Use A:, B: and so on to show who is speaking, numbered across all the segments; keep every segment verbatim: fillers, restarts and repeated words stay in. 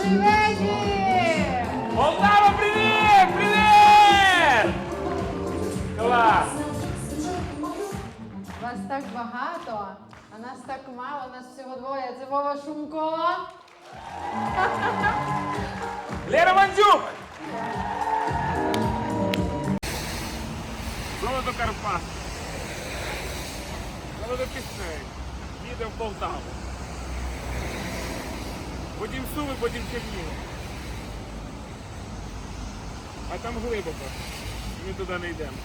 A: Добрий вечір!
B: Полтава, привіт! Привіт! Клас!
A: Вас так багато, а нас так мало, нас всього двоє. Це Вова Шумко.
B: Лера Мандзюк! Золото Карпат. Золото пісень. Їде в Полтаву. Потім Суми, потім Чернігів. А там глибоко. Ми туди не йдемо.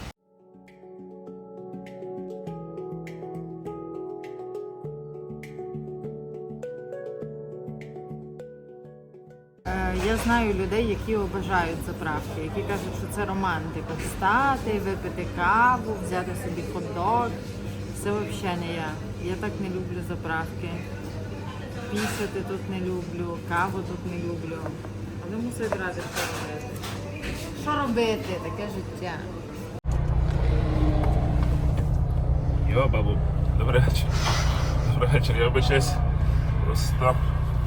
A: Я знаю людей, які обожають заправки, які кажуть, що це романтика. Встати, випити каву, взяти собі хот-дог. Це взагалі не я. Я так не люблю заправки. Пісяти тут не люблю, каву тут не люблю. Але мусить ради що робити. Що робити? Таке життя.
B: Йо, бабу, добрий вечір. Добрий вечір, я обичаюсь просто.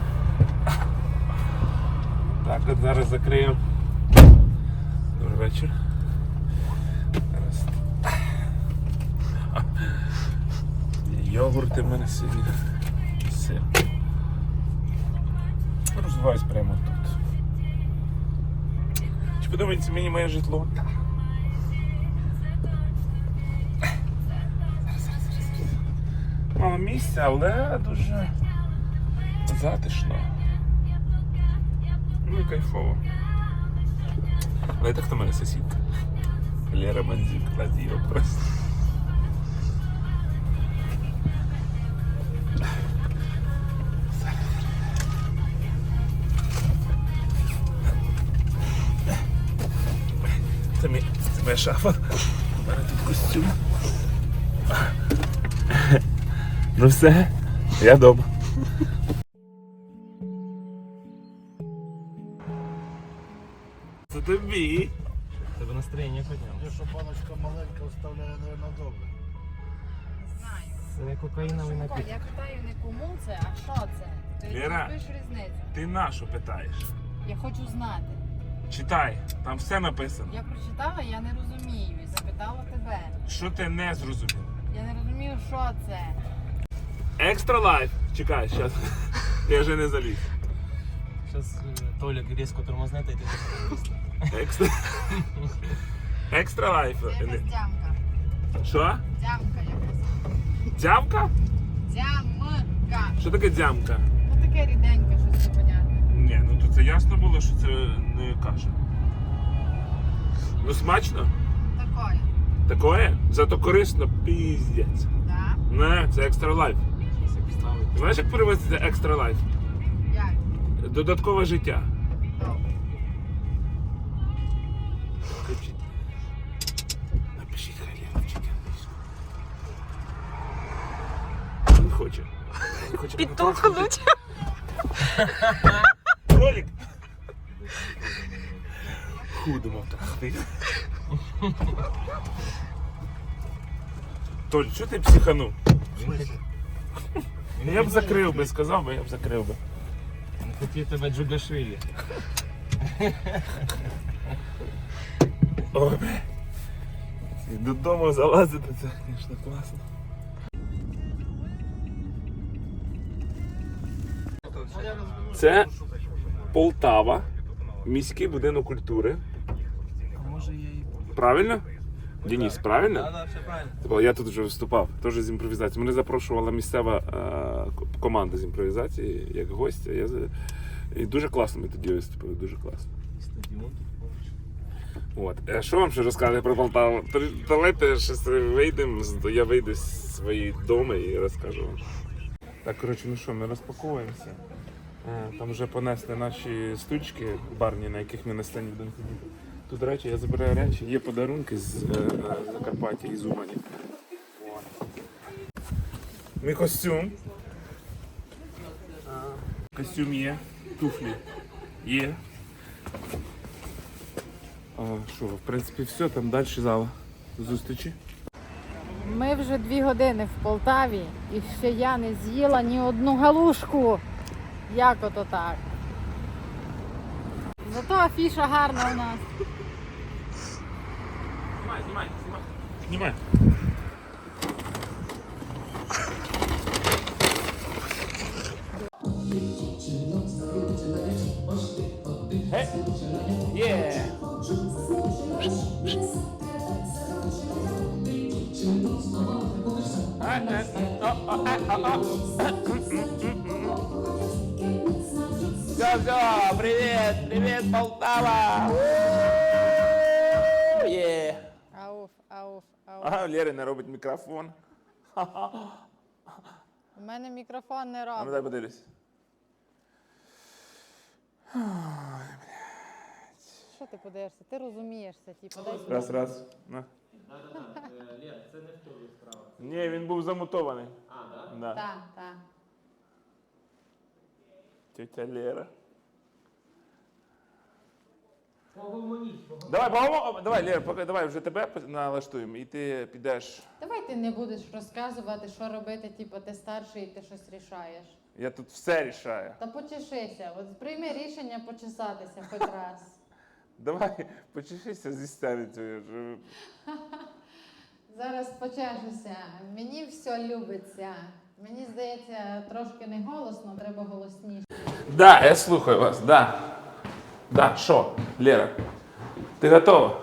B: Так, от зараз закриємо. Добрий вечір. Зараз. Йогурти в мене сьогодні. Сир. Розвиваюсь прямо тут. Чи подобається мені моє житло? Так. Зараз, зараз, зараз, зараз. Мало місця, але дуже затишно. Ну і кайфово. Але це хто мене сусідка? Лера Мандзюк, клади його просто. Це, мій, це моя шафа. У мене тут костюм. Ну все, я вдома. Це тобі.
C: Тебе настроєння підняло.
D: Те, що баночка маленька оставляє, мабуть, добре.
A: Знаю.
C: Це кокаїновий напій.
A: Я питаю не кому це, а що це? Ти
B: Лера.
A: розумієш різницю?
B: Ти на що питаєш?
A: Я хочу знати.
B: Читай, там все написано.
A: Я прочитала, я не розумію і запитала тебе.
B: Що ти не зрозумів?
A: Я не розумію, що це.
B: Екстра лайф. Чекай, зараз. Я вже не заліз.
C: Зараз Толік різко тормозне, та й ти
B: Екстра. Екстра лайф.
A: Це якась дямка.
B: Що?
A: Дямка якась.
B: Дзямка?
A: Дямка.
B: Що таке дзямка?
A: Ну таке ріденьке, щось непонятне.
B: Ні, ну то це ясно було, що це не каша. Ну смачно?
A: Такое.
B: Такое? Зато корисно піздець.
A: Да?
B: Не, це екстра лайф.
C: ставить.
B: Знаєш, як переводиться екстра лайф?
A: Як?
B: Додаткове життя.
A: Добре.
B: Напишіть. Напишіть Хайлєва вчити англійську. Не хоче. Не хоче
A: Підтухнуть.
B: Ролик. Худимо трахти. Толь, що ти психанув? Я б закрив би, сказав би, я б закрив би.
C: Не хотів тебе Джугашвілі.
B: Ой, бля. Додому залазити, це, звісно, класно. Це Полтава, міський будинок культури.
C: А може я і...
B: Правильно? Денис, правильно?
C: Так, так, все правильно.
B: Тобто я тут вже виступав, теж з імпровізації. Мене запрошувала місцева е, команда з імпровізації, як гостя. Я, за- і дуже класно ми тоді виступили, дуже класно.
C: Стадіон тут поруч.
B: От. А що вам ще розказати про Полтаву? То давайте щось вийдемо, з- я вийду з своєї дому і розкажу вам. Так, коротше, ну що, ми розпаковуємося. Е, Там вже понесли наші стучки барні, на яких ми на сцені будемо ходити. Тут речі, я забираю речі, є подарунки з е, Закарпаття, із Умані. От. Мій костюм. Костюм є, туфлі є. А, що, в принципі, все, там далі зала зустрічі.
A: Ми вже дві години в Полтаві і ще я не з'їла ні одну галушку. Як ото так? Зато афіша гарна у нас.
B: Знімай, знімай, знімай. Знімай.
E: Yeah. Все, все, привет, привет, Полтава! Yeah.
A: Ауф, ауф, ауф.
B: Ага, Лєра не робить мікрофон.
A: У мене мікрофон не
B: А ну
A: робить.
B: дай подивлюсь.
A: Що ти подивишся? Ти розумієшся, типу, дай сюди.
B: Раз, раз. На.
C: Лєр, це не в тобі справа.
B: Ні, він був замутований.
C: А, так?
B: Да.
A: Так, так.
B: Тетя Лера.
C: Погомоніть, погомоніть.
B: Давай, поговоримо. Давай, Лера, поки давай вже тебе налаштуємо, і ти підеш.
A: Давай ти не будеш розказувати, що робити, типу, ти старший і ти щось рішаєш.
B: Я тут все рішаю.
A: Та почешися, от прийми рішення почесатися хоч раз.
B: Давай, почешися зі стерицею.
A: Зараз почешуся. Мені все любиться. Мені здається, трошки не голосно, треба голосніше.
B: Да, я слухаю вас, да. Да, що, Лера? Ти готова?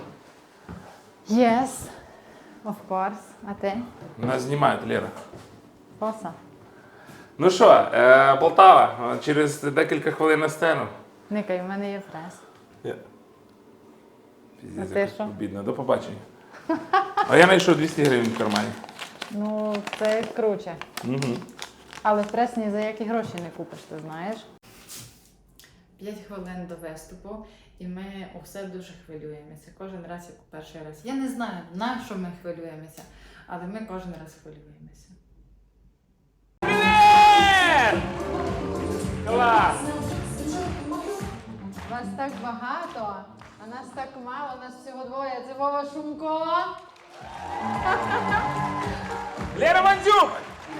A: Yes, of course. А ти?
B: Нас знімають, Лера.
A: Коса?
B: Ну що, е, Полтава, через декілька хвилин на сцену.
A: Никай, в мене є фрез.
B: Я...
A: А
B: Піздець,
A: ти
B: як
A: що?
B: обідно. До побачення. А я знайшов двісті гривень в кармані.
A: Ну, це круче.
B: Угу.
A: Але фрез ні за які гроші не купиш, ти знаєш. П'ять хвилин до виступу, і ми усе дуже хвилюємося. Кожен раз, як у перший раз. Я не знаю, на що ми хвилюємося, але ми кожен раз хвилюємося.
B: Клас!
A: Вас так багато, а нас так мало, нас всього двоє. Це Вова Шумко.
B: Лера Мандзюк!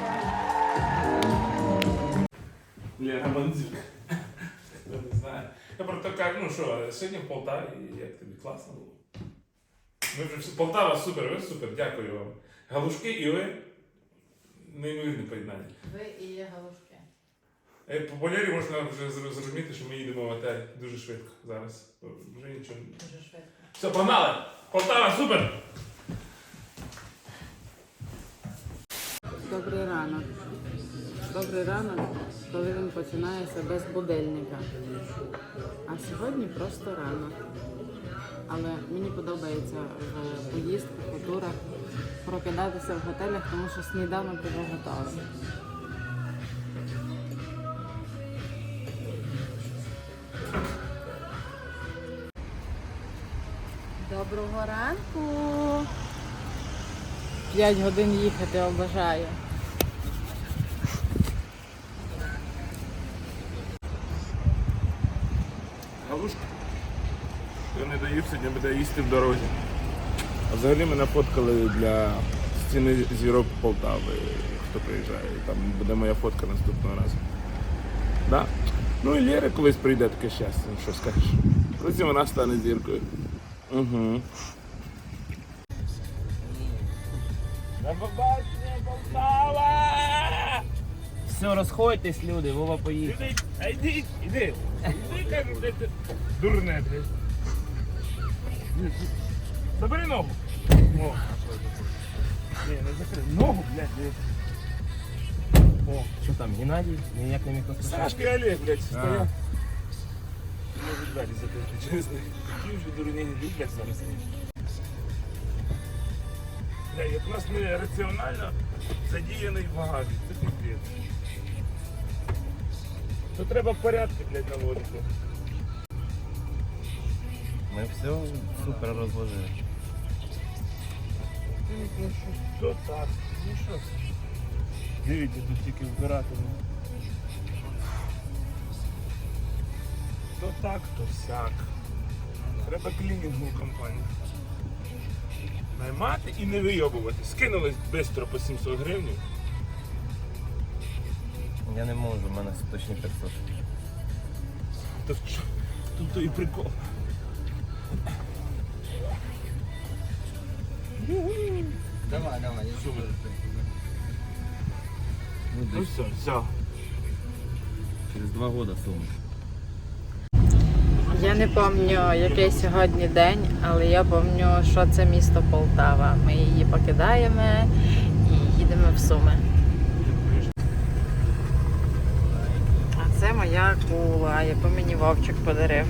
B: Лера Мандзюк. Я не знаю. Я просто кажу, ну що, сьогодні в Полтаві, як тобі класно було? Ми вже всі- Полтава супер, ви супер, дякую вам. Галушки і ви неймовірне поєднання.
A: Ви і є галушки.
B: Е, По Лері можна вже зр- зрозуміти, що ми їдемо в готель дуже швидко зараз. Вже нічого.
A: Дуже швидко.
B: Все, погнали! Полтава, супер!
F: Добрий ранок. Добрий ранок, коли він починається без будильника. А сьогодні просто ранок. Але мені подобається в поїздках, у турах прокидатися в готелях, тому що сніданок вже готовий. Доброго ранку! П'ять годин їхати обожаю.
B: Галушка. Хто не доїв, сьогодні буде їсти в дорозі. А взагалі мене фоткали для стіни зірок Полтави, хто приїжджає. Там буде моя фотка наступного разу. Да? Ну і Лєра колись прийде таке щастя, ну що скажеш. Колись і вона стане зіркою. Угу. На побачення, Полтава!
C: Все, розходьтесь, люди, Вова поїхав.
B: Іди, а йди, іди. Іди, кажу, де ти. Дурне, блядь. Забери ногу. О. Ні, не закрий. Ногу, блядь, блядь. О.
C: Що там, Геннадій? Ніяк не міг розпочати.
B: Сашка і Олег, блядь, стоять. Може двері закрити, чесно. Які вже дурні люблять зараз. Бля, як у нас нераціонально задіяний в багажі. Це піздець. То треба порядки, блядь, наводити.
C: Ми все супер розложили.
B: Ну що, то так, ну що. Дивіться, тут тільки збирати. То так, то сяк. Треба клінінгову компанію. Наймати і не вийобувати. Скинулись швидко по сімсот гривень.
C: Я не можу, в мене точні п'ятсот.
B: То, в чо- тут той прикол.
D: Давай, давай, я сумер.
B: Ну все, все.
C: Через два года Суми.
A: Я не пам'ятаю, який сьогодні день, але я пам'ятаю, що це місто Полтава. Ми її покидаємо і їдемо в Суми. А це моя акула, яку мені Вовчик подарив.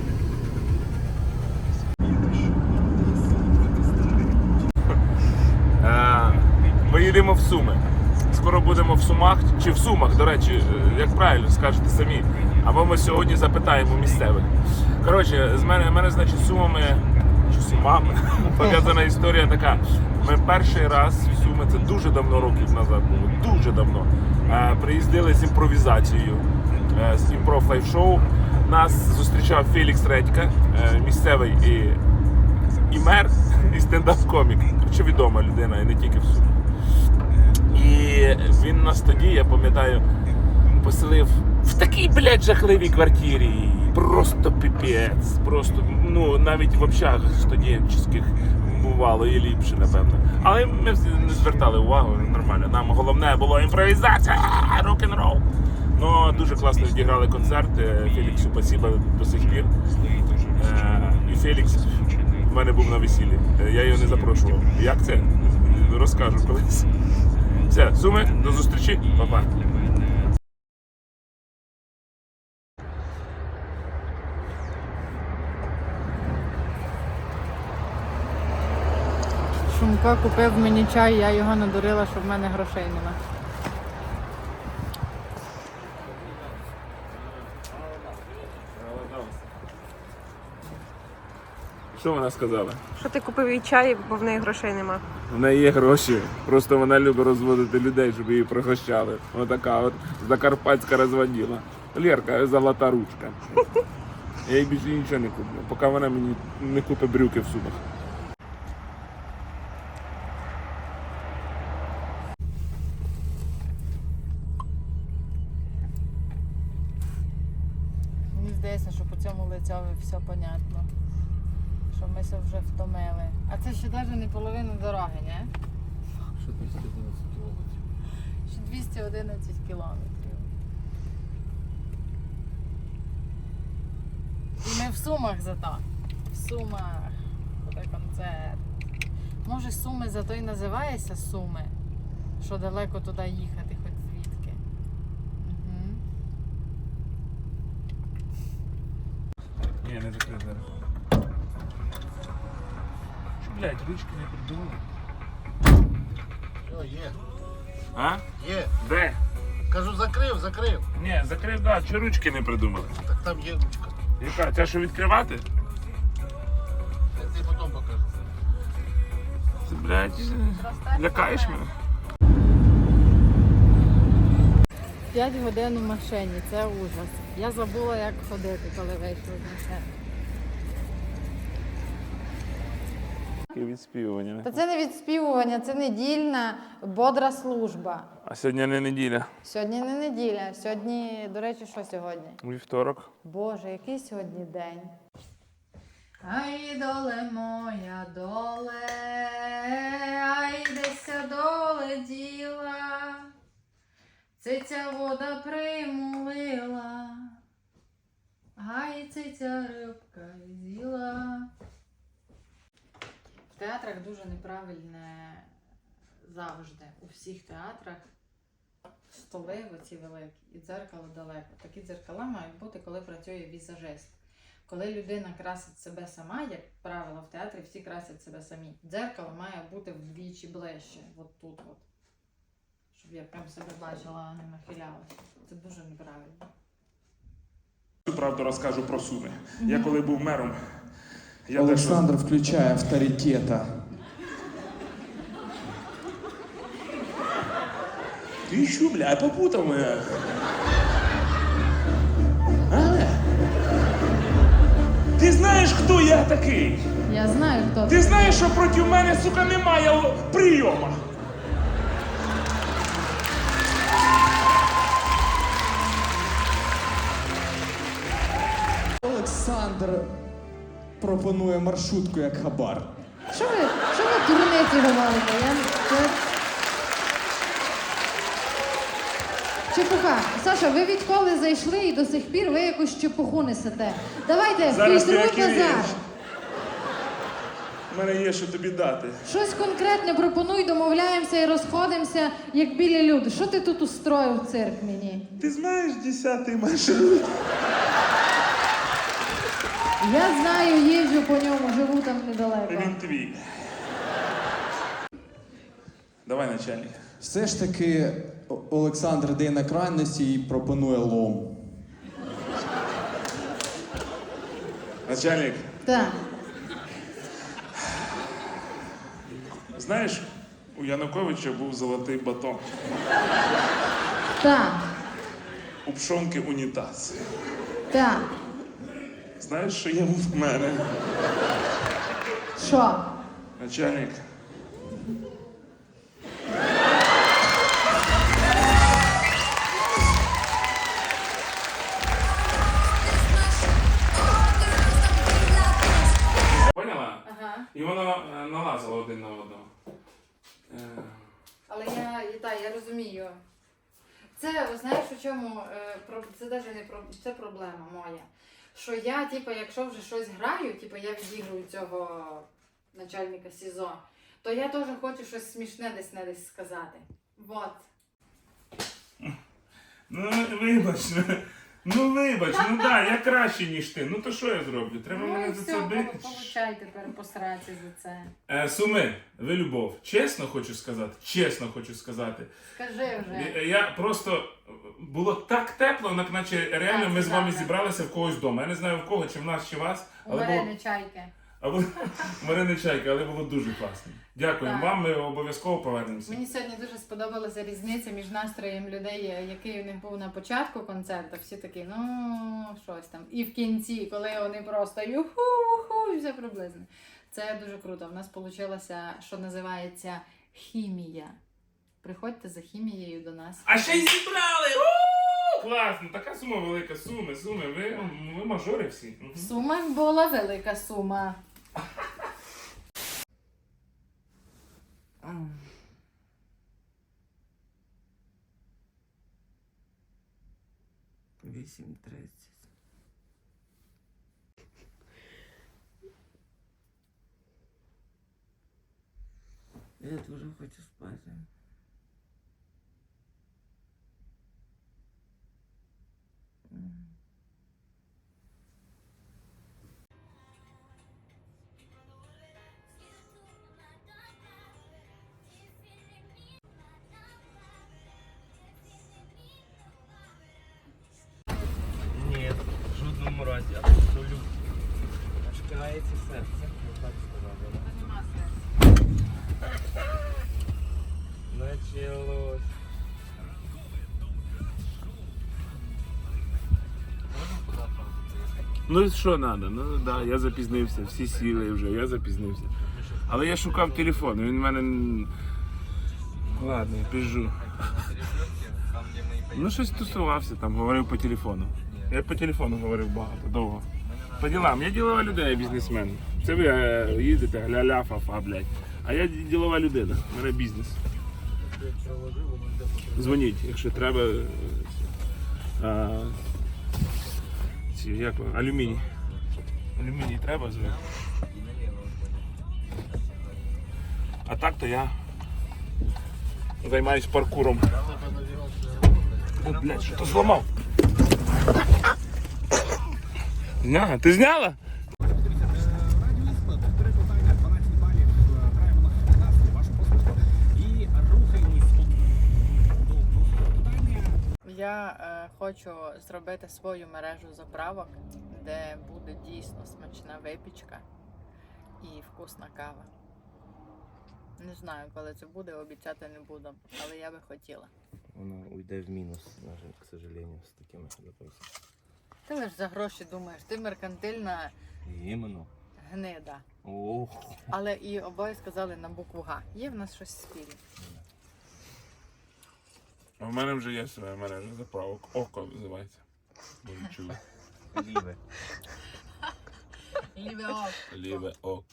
B: Е, Ми їдемо в Суми. Скоро будемо в Сумах, чи в Сумах, до речі, е, як правильно скажете самі. Або ми сьогодні запитаємо місцевих. Коротше, з мене, мене значить, з Сумами, чи Сумами, пов'язана історія така. Ми перший раз в Суми, це дуже давно років назад було, дуже давно, е, приїздили з імпровізацією, е, з імпров лайф-шоу. Нас зустрічав Фелікс Редька, е, місцевий і, і мер, і стендап-комік. Коротше, відома людина, і не тільки в Сумах. І він нас тоді, я пам'ятаю, поселив в такій, блядь, жахливій квартирі. Просто піпець. Просто, ну, навіть в общагах студентських бувало і ліпше, напевно. Але ми не звертали увагу, нормально. Нам головне було імпровізація, рок-н-рол. Ну, дуже класно відіграли концерт. Феліксу спасибо до сих пір. І Фелікс в мене був на весіллі. Я його не запрошував. Як це? Розкажу колись. Все, Суми, до зустрічі, па-па.
A: Шумко купив мені чай, я його надурила, що в мене грошей нема.
B: Що вона сказала?
G: Що ти купив їй чай, бо в неї грошей нема.
B: В неї є гроші, просто вона любить розводити людей, щоб її пригощали. Отака от закарпатська розводила. Лєрка, золота ручка. Я їй більше нічого не куплю, поки вона мені не купить брюки в Сумах.
A: Мені здається, що по цьому лицьові все понятно. Що ми се вже втомили. А це ще навіть не половина дороги, не?
C: Що двісті одинадцять кілометрів?
A: Ще двісті одинадцять кілометрів. І ми в Сумах зато. В Сумах. Буде концерт. Може, Суми зато і називається Суми? Що далеко туди їхати, хоч звідки. Угу.
B: Ні, не закрив зараз. Блять, ручки не придумали.
D: Все, є.
B: А?
D: Є.
B: Де?
D: Кажу, закрив, закрив.
B: Ні, закрив, да, чи ручки не придумали?
D: Так там є ручка.
B: Яка? Ця що відкривати?
D: Я тобі потім покажу.
B: Ти, блядь, лякаєш мене?
A: п'ять годин у машині, це ужас. Я забула, як ходити, коли вийшла з машини.
B: Відспівування.
A: Та це не відспівування, це недільна бодра служба.
B: А сьогодні не неділя.
A: Сьогодні не неділя, сьогодні, до речі, що сьогодні?
B: Вівторок.
A: Боже, який сьогодні день? Ай, доле моя, доле, ай, деся доле діла, циця вода примулила, ай, циця рибка з'їла. В театрах дуже неправильне завжди. У всіх театрах столи оці великі і дзеркало далеко. Такі дзеркала мають бути, коли працює візажист. Коли людина красить себе сама, як правило, в театрі всі красять себе самі. Дзеркало має бути вдвічі ближче, от тут от. Щоб я прям себе бачила, а не нахилялася. Це дуже неправильно.
B: Цю правду розкажу про Суми. Я коли був мером, я
H: Олександр включає авторитета.
B: Ти що, бля, попутав мене? Ти знаєш, хто я такий?
A: Я знаю, хто
B: Ти знаєш, що проти мене, сука, немає прийому?
H: Олександр пропонує маршрутку як хабар.
I: Що ви, що ви дурниці говорите? Я... Це... Чепуха. Саша, ви відколи зайшли і до сих пір ви якусь чепуху несете. Давайте,
B: Зараз ти
I: фільтруй
B: як
I: назад.
B: вмієш. У мене є що тобі дати.
I: Щось конкретне пропонуй, домовляємося і розходимося, як білі люди. Що ти тут устроїв цирк мені?
B: Ти знаєш десятий маршрут?
I: Я знаю, їжджу по ньому, живу там недалеко.
B: Він твій. Давай, начальник.
H: Все ж таки О- Олександр йде на крайності і пропонує лом.
B: Начальник,
I: Так.
B: знаєш, у Януковича був золотий батон.
I: Так.
B: У Пшонки унітаз.
I: Так.
B: Знаєш, що є в мене?
I: Що?
B: Начальник. Поняла?
A: Ага.
B: І воно е, налазило один на одного. Е,
A: Але я, і та, я розумію. Це, знаєш, у чому, е, про- це навіть не про, це проблема моя. Що я, типу, якщо вже щось граю, типу, я відіграю цього начальника СІЗО, то я теж хочу щось смішне десь не десь сказати. Вот.
B: Ну, вибач, ну, ну вибач, ну да, я краще, ніж ти. Ну то що я зроблю? Треба
A: Ну і
B: мене за
A: все,
B: це бити.
A: получай тепер посраці за це.
B: Е, Суми, ви любов. Чесно хочу сказати, чесно хочу сказати.
A: Скажи вже.
B: Я, я просто було так тепло, як наче реально ми з вами
A: Так,
B: зібралися в когось вдома. Я не знаю в кого, чи в нас, чи вас,
A: У
B: але було
A: Марини чайки.
B: або Марини Чайки, але було дуже класно. Дякуємо
A: Так.
B: вам, ми обов'язково повернемося.
A: Мені сьогодні дуже сподобалася різниця між настроєм людей, який у них був на початку концерту. Всі такі, ну, щось там. І в кінці, коли вони просто юху-ху, і все приблизно. Це дуже круто. В нас вийшло, що називається хімія. Приходьте за хімією до нас.
B: А ще й зібрали! У! Класно, така сума велика, суми, суми, ви, ви мажори всі. Мгм.
A: В Сумах була велика сума.
C: вісім тридцять. Я дуже хочу спати. Ні, в жодному разі, абсолютно. Аж кається серце, я так сказав.
A: Нема сенсу.
C: Началось.
B: Ну і що треба? Ну да, я запізнився, всі сіли вже, я запізнився. Але я шукав телефон, він в мене. н- Ладно, я біжу. Ну щось тусувався там, говорив по телефону. Я по телефону говорив багато, довго. По ділам. Я ділова людина, я бізнесмен. Це ви е, їздите, ля-ля, фа-фа, блядь. А я ділова людина, у мене бізнес. Дзвоніть, якщо треба. е, А, ці, як воно? Алюміній. Алюміній треба звати. А так то я займаюсь паркуром. О, блядь, що то зламав? Зняла? Ти зняла?
A: Я е, хочу зробити свою мережу заправок, де буде дійсно смачна випічка і вкусна кава. Не знаю, коли це буде, обіцяти не буду, але я би хотіла.
C: Воно уйде в мінус, на жаль, к сожалению, з такими запросами.
A: Ти лиш за гроші думаєш, ти меркантильна
C: Іменно.
A: гнида.
C: Ох.
A: Але і обоє сказали на букву Г. Є в нас щось спільне.
B: А в мене вже є своя мережа заправок. Око називається. Може чули.
C: Ліве.
B: Ліве ок.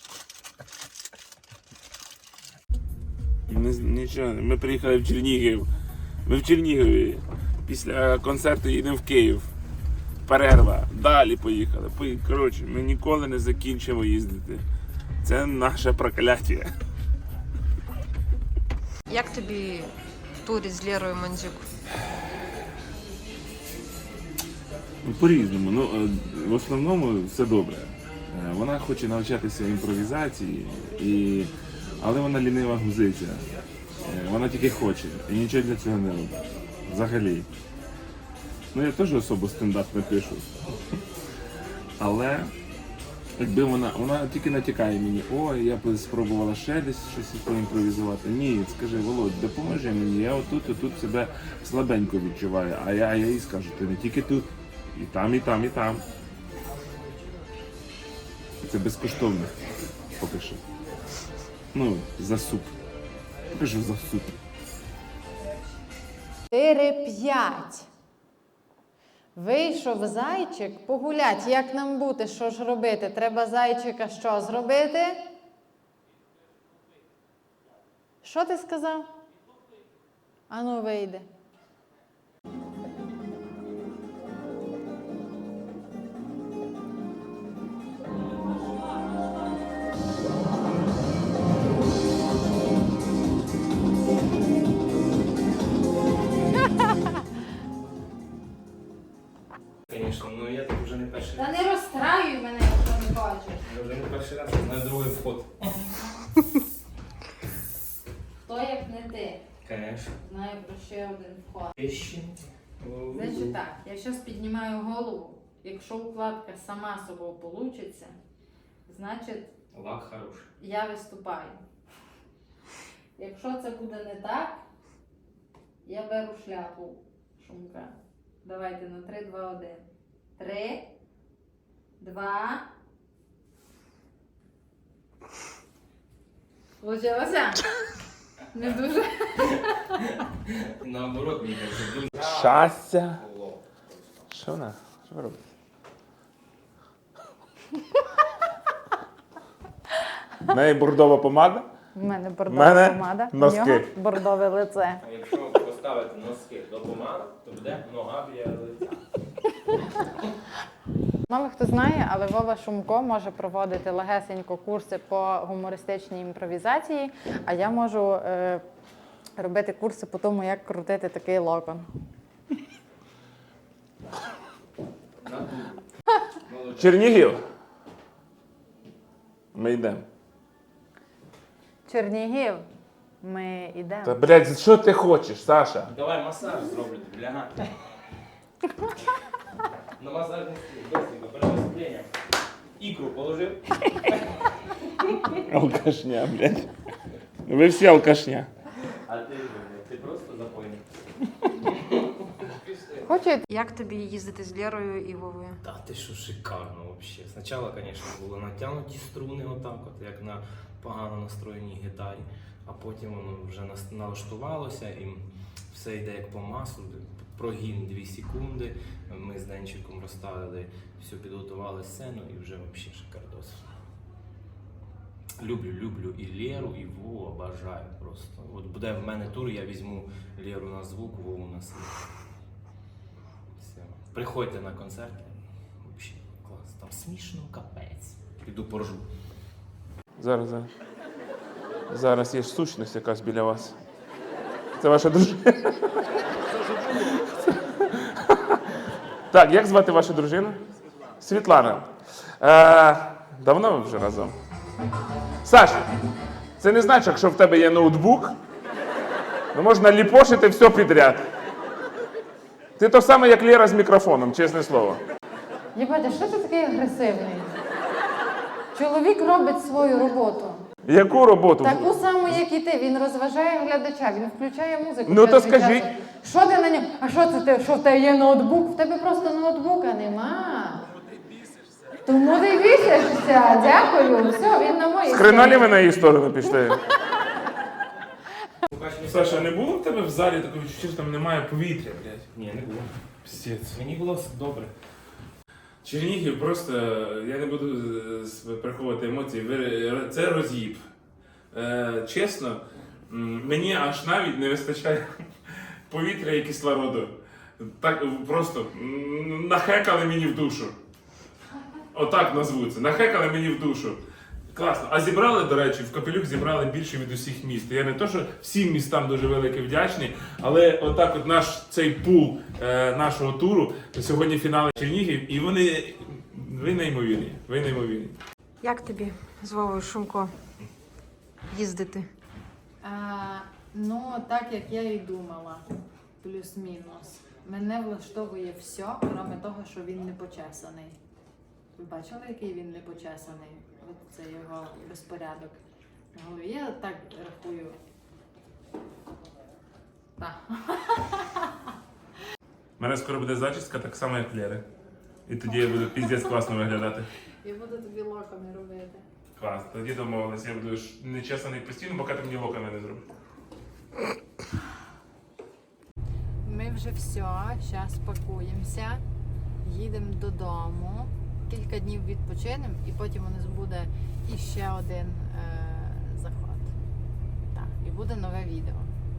B: Ми, нічого, ми приїхали в Чернігів. Ми в Чернігові. Після концерту їдемо в Київ. Перерва. Далі поїхали. Пої- Коротше, ми ніколи не закінчимо їздити. Це наше прокляття.
G: Як тобі в турі з Лєрою Мандзюк?
B: Ну, по-різному. Ну, е, в основному все добре. Е, Вона хоче навчатися імпровізації, і... але вона лінива гузиця. Е, Вона тільки хоче і нічого для цього не робить. Взагалі. Ну, я теж особо стендап не пишу. Але якби вона, вона тільки натякає мені, ой, я б спробувала ще десь щось поімпровізувати. Ні, скажи, Володь, допоможи мені, я отут, і тут себе слабенько відчуваю. А я, а я їй скажу, ти не тільки тут, і там, і там, і там. Це безкоштовно, поки що. Ну, за суп. Поки що за суп.
F: Чотири п'ять. Вийшов зайчик погулять. Як нам бути? Що ж робити? Треба зайчика що зробити? Що ти сказав? Ану, вийди.
C: Звісно, ну я так вже не перший
I: Та
C: раз.
I: не розстраюй мене, якщо не хочеш.
C: Я вже не перший раз, я знаю другий вход.
I: Хто як не ти?
C: Звісно.
I: Знаю про ще один вход.
C: Пищі.
I: Значить так, я зараз піднімаю голову. Якщо укладка сама собою получиться, значить
C: Лак хороший.
I: я виступаю. Якщо це буде не так, я беру шляпу Шумка. Давайте на три, два, один. Три, два. Получилося? Не дуже.
C: Наоборот, мені кажеться, дуже
B: Щастя.
C: було.
B: Що вона? Що ви робите? В неї бордова помада?
F: У мене бордова
B: Мене
F: помада, у
B: носки.
F: нього бордове лице.
C: А якщо поставити носки до помади, то буде нога біля лиця.
F: Мало хто знає, але Вова Шумко може проводити легесенько курси по гумористичній імпровізації, а я можу е, робити курси по тому, як крутити такий локон.
B: Чернігів. Ми йдемо.
F: Чернігів, ми йдемо.
B: Та, блядь, що ти хочеш, Саша?
C: Давай масаж зроблю, бля. На масажний стіл, быстренько, перед виступленням. Ікру положив.
B: Алкашня, блядь. Ви всі алкашня.
C: А ти, ти просто запойний.
F: Хочете?
G: Як тобі їздити з Лєрою і Вовою?
C: Та ти що, шикарно вообще. Спочатку, звісно, були натягнуті струни отак, от, як на погано настроєній гітарі, а потім воно вже нас- налаштувалося і все йде як по маслу. Прогін дві секунди, ми з Денчиком розставили, все, підготували сцену і вже взагалі шикардос. Люблю, люблю і Лєру, і Вову, обожаю просто. От буде в мене тур, я візьму Лєру на звук, Вову на світ. Все. Приходьте на концерти. Вообще клас. Там смішно, капець. Піду поржу.
B: Зараз, зараз. Зараз є сущність якась біля вас. Це ваша дружина? Так, як звати вашу дружину? Світлана. Е, давно ви вже разом? Саш, це не значить, якщо в тебе є ноутбук, ну можна ліпошити все підряд. Ти то саме, як Лєра з мікрофоном, чесне слово.
F: Єбать, що ти такий агресивний? Чоловік робить свою роботу.
B: Яку роботу?
F: Таку саму, як і ти. Він розважає глядача, він включає музику.
B: Ну, то
F: час від
B: скажіть.
F: часу. Що ти на ньому? А що це ти? Що в тебе є ноутбук? В тебе просто ноутбука нема. Тому ти бісишся. Дякую. Все, він на моїй
B: З хрена ви на її сторону пішли? Саша, не було в тебе в залі такого відчуття, що там немає повітря, блядь?
C: Ні, не було.
B: Псець.
C: Мені було все добре.
B: Чернігів просто, я не буду е, приховувати емоції, ви- це роз'їб. Е, чесно, м, мені аж навіть не вистачає повітря і кислороду. Так просто м, нахекали мені в душу. Отак назву це. Нахекали мені в душу. Класно. А зібрали, до речі, в Капелюх зібрали більше від усіх міст. Я не то, що всім містам дуже великий вдячний, але отак от наш цей пул е, нашого туру, сьогодні фінал Чернігів, і вони, ви неймовірні, ви неймовірні.
G: Як тобі з Вовою Шумко їздити?
I: А, ну, так як я і думала, плюс-мінус. Мене влаштовує все, крім того, що він не почесаний. Ви бачили, який він не почесаний? От це його безпорядок на голові. Я так рахую. Так.
B: У мене скоро буде зачіска так само, як Лєри. І тоді я буду піздець класно виглядати.
I: Я буду тобі локами робити.
B: Клас, тоді домовились, я буду ж нечесаний постійно, поки ти мені локами не зробиш.
I: Ми вже все, зараз пакуємося, їдемо додому, кілька днів відпочинемо і потім у нас буде іще один е, заход. Так, і буде нове відео.